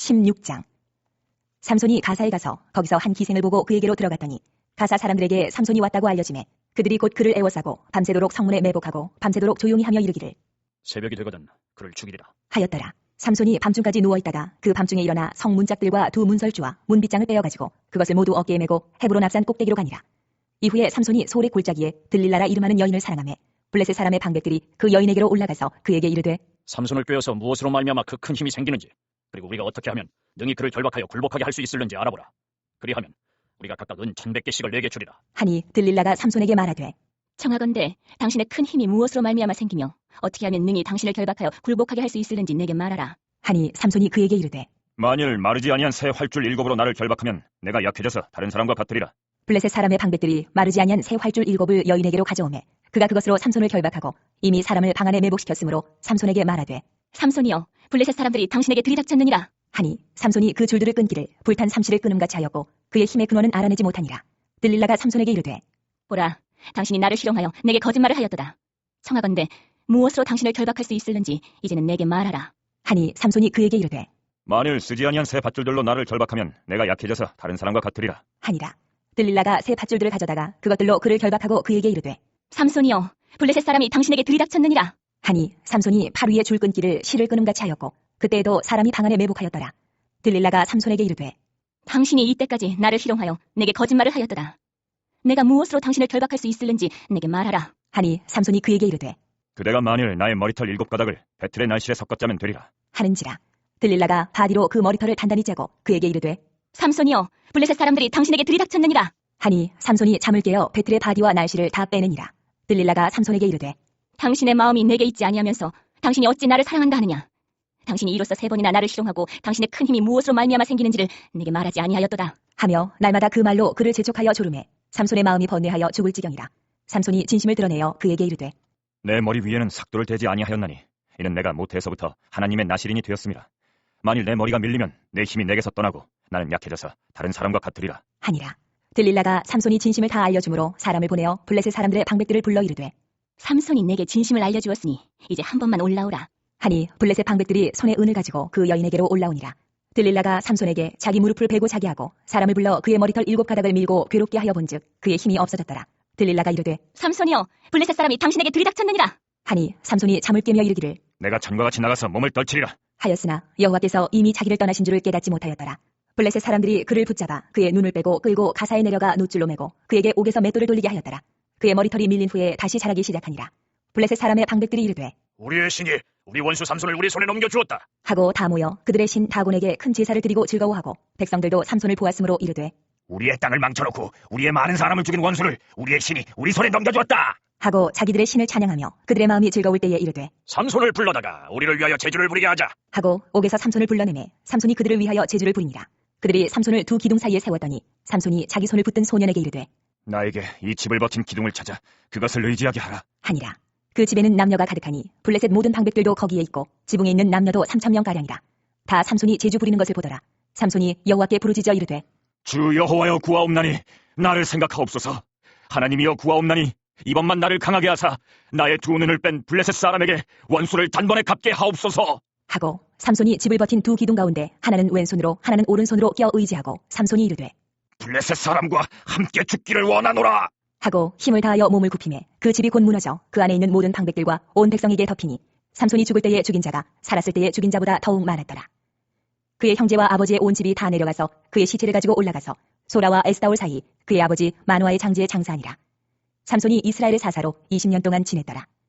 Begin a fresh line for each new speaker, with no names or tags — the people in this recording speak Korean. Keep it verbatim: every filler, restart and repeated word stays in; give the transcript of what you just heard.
십육 장. 삼손이 가사에 가서 거기서 한 기생을 보고 그에게로 들어갔더니 가사 사람들에게 삼손이 왔다고 알려지매 그들이 곧 그를 애워싸고 밤새도록 성문에 매복하고 밤새도록 조용히 하며 이르기를
새벽이 되거든 그를 죽이리라
하였더라. 삼손이 밤중까지 누워있다가 그 밤중에 일어나 성 문짝들과 두 문설주와 문빗장을 빼어가지고 그것을 모두 어깨에 메고 헤브론 앞산 꼭대기로 가니라. 이후에 삼손이 소래 골짜기에 들릴라라 이름하는 여인을 사랑하며 블레셋 사람의 방백들이 그 여인에게로 올라가서 그에게 이르되
삼손을 꿰어서 무엇으로 말미암아 그 큰 힘이 생기는지 그리고 우리가 어떻게 하면 능히 그를 결박하여 굴복하게 할 수 있을는지 알아보라. 그리하면 우리가 각각 은 천백 개씩을 내게 주리라.
하니 들릴라가 삼손에게 말하되
청하건대 당신의 큰 힘이 무엇으로 말미암아 생기며 어떻게 하면 능히 당신을 결박하여 굴복하게 할 수 있을는지 내게 말하라.
하니 삼손이 그에게 이르되
만일 마르지 아니한 새 활줄 일곱으로 나를 결박하면 내가 약해져서 다른 사람과 같으리라.
블레셋 사람의 방백들이 마르지 아니한 새 활줄 일곱을 여인에게로 가져오매 그가 그것으로 삼손을 결박하고 이미 사람을 방 안에 매복시켰으므로 삼손에게 말하되
삼손이여 블레셋 사람들이 당신에게 들이닥쳤느니라.
하니 삼손이 그 줄들을 끊기를 불탄 삼시를 끊음같이 하였고 그의 힘의 근원은 알아내지 못하니라. 들릴라가 삼손에게 이르되
보라 당신이 나를 희롱하여 내게 거짓말을 하였도다. 청하건대 무엇으로 당신을 결박할 수 있을는지 이제는 내게 말하라.
하니 삼손이 그에게 이르되
만일 쓰지 아니한 새 밧줄들로 나를 결박하면 내가 약해져서 다른 사람과 같으리라.
하니라. 들릴라가 새 밧줄들을 가져다가 그것들로 그를 결박하고 그에게 이르되
삼손이여 블레셋 사람이 당신에게 들이닥쳤느니라.
하니 삼손이 팔 위에 줄 끊기를 실을 끊음같이 하였고 그때에도 사람이 방 안에 매복하였더라. 들릴라가 삼손에게 이르되
당신이 이때까지 나를 희롱하여 내게 거짓말을 하였도다. 내가 무엇으로 당신을 결박할 수 있을는지 내게 말하라.
하니 삼손이 그에게 이르되
그대가 만일 나의 머리털 일곱 가닥을 배틀의 날실에 섞었자면 되리라.
하는지라. 들릴라가 바디로 그 머리털을 단단히 짜고 그에게 이르되
삼손이여 블레셋 사람들이 당신에게 들이닥쳤느니라.
하니 삼손이 잠을 깨어 배틀의 바디와 날씨를 다 빼느니라. 들릴라가 삼손에게 이르되
당신의 마음이 내게 있지 아니하면서 당신이 어찌 나를 사랑한다 하느냐. 당신이 이로써 세 번이나 나를 희롱하고 당신의 큰 힘이 무엇으로 말미암아 생기는지를 내게 말하지 아니하였도다.
하며 날마다 그 말로 그를 재촉하여 조르매 삼손의 마음이 번뇌하여 죽을 지경이라. 삼손이 진심을 드러내어 그에게 이르되
내 머리 위에는 삭도를 대지 아니하였나니 이는 내가 모태에서부터 하나님의 나실인이 되었음이라. 만일 내 머리가 밀리면 내 힘이 내게서 떠나고 나는 약해져서 다른 사람과 같으리라.
하니라. 들릴라가 삼손이 진심을 다 알려주므로 사람을 보내어 블레셋 사람들의 방백들을 불러 이르되
삼손이 내게 진심을 알려주었으니 이제 한 번만 올라오라.
하니 블레셋 방백들이 손에 은을 가지고 그 여인에게로 올라오니라. 들릴라가 삼손에게 자기 무릎을 베고 자게 하고 사람을 불러 그의 머리털 일곱 가닥을 밀고 괴롭게 하여 본즉 그의 힘이 없어졌더라. 들릴라가 이르되
삼손이여 블레셋 사람이 당신에게 들이닥쳤느니라.
하니 삼손이 잠을 깨며 이르기를
내가 전과 같이 나가서 몸을 떨치리라.
하였으나 여호와께서 이미 자기를 떠나신 줄을 깨닫지 못하였더라. 블레셋 사람들이 그를 붙잡아 그의 눈을 빼고 끌고 가사에 내려가 노줄로 매고 그에게 옥에서 맷돌을 돌리게 하였더라. 그의 머리털이 밀린 후에 다시 자라기 시작하니라. 블레셋 사람의 방백들이 이르되
우리의 신이 우리 원수 삼손을 우리 손에 넘겨주었다
하고 다 모여 그들의 신 다곤에게 큰 제사를 드리고 즐거워하고 백성들도 삼손을 보았으므로 이르되
우리의 땅을 망쳐놓고 우리의 많은 사람을 죽인 원수를 우리의 신이 우리 손에 넘겨주었다
하고 자기들의 신을 찬양하며 그들의 마음이 즐거울 때에 이르되
삼손을 불러다가 우리를 위하여 제주를 부리게 하자
하고 옥에서 삼손을 불러내매 삼손이 그들을 위하여 제주를 부리니라. 그들이 삼손을 두 기둥 사이에 세웠더니 삼손이 자기 손을 붙든 소년에게 이르되
나에게 이 집을 버틴 기둥을 찾아 그것을 의지하게 하라.
하니라. 그 집에는 남녀가 가득하니 블레셋 모든 방백들도 거기에 있고 지붕에 있는 남녀도 삼천 명가량이라. 다 삼손이 제주 부리는 것을 보더라. 삼손이 여호와께 부르짖어 이르되
주 여호와여 구하옵나니 나를 생각하옵소서. 하나님이여 구하옵나니 이번만 나를 강하게 하사 나의 두 눈을 뺀 블레셋 사람에게 원수를 단번에 갚게 하옵소서.
하고 삼손이 집을 버틴 두 기둥 가운데 하나는 왼손으로 하나는 오른손으로 껴 의지하고 삼손이 이르되
블레셋 사람과 함께 죽기를 원하노라
하고 힘을 다하여 몸을 굽히매 그 집이 곧 무너져 그 안에 있는 모든 방백들과 온 백성에게 덮이니 삼손이 죽을 때에 죽인 자가 살았을 때에 죽인 자보다 더욱 많았더라. 그의 형제와 아버지의 온 집이 다 내려가서 그의 시체를 가지고 올라가서 소라와 에스다올 사이 그의 아버지 마누아의 장지에 장사하니라. 삼손이 이스라엘의 사사로 이십 년 동안 지냈더라.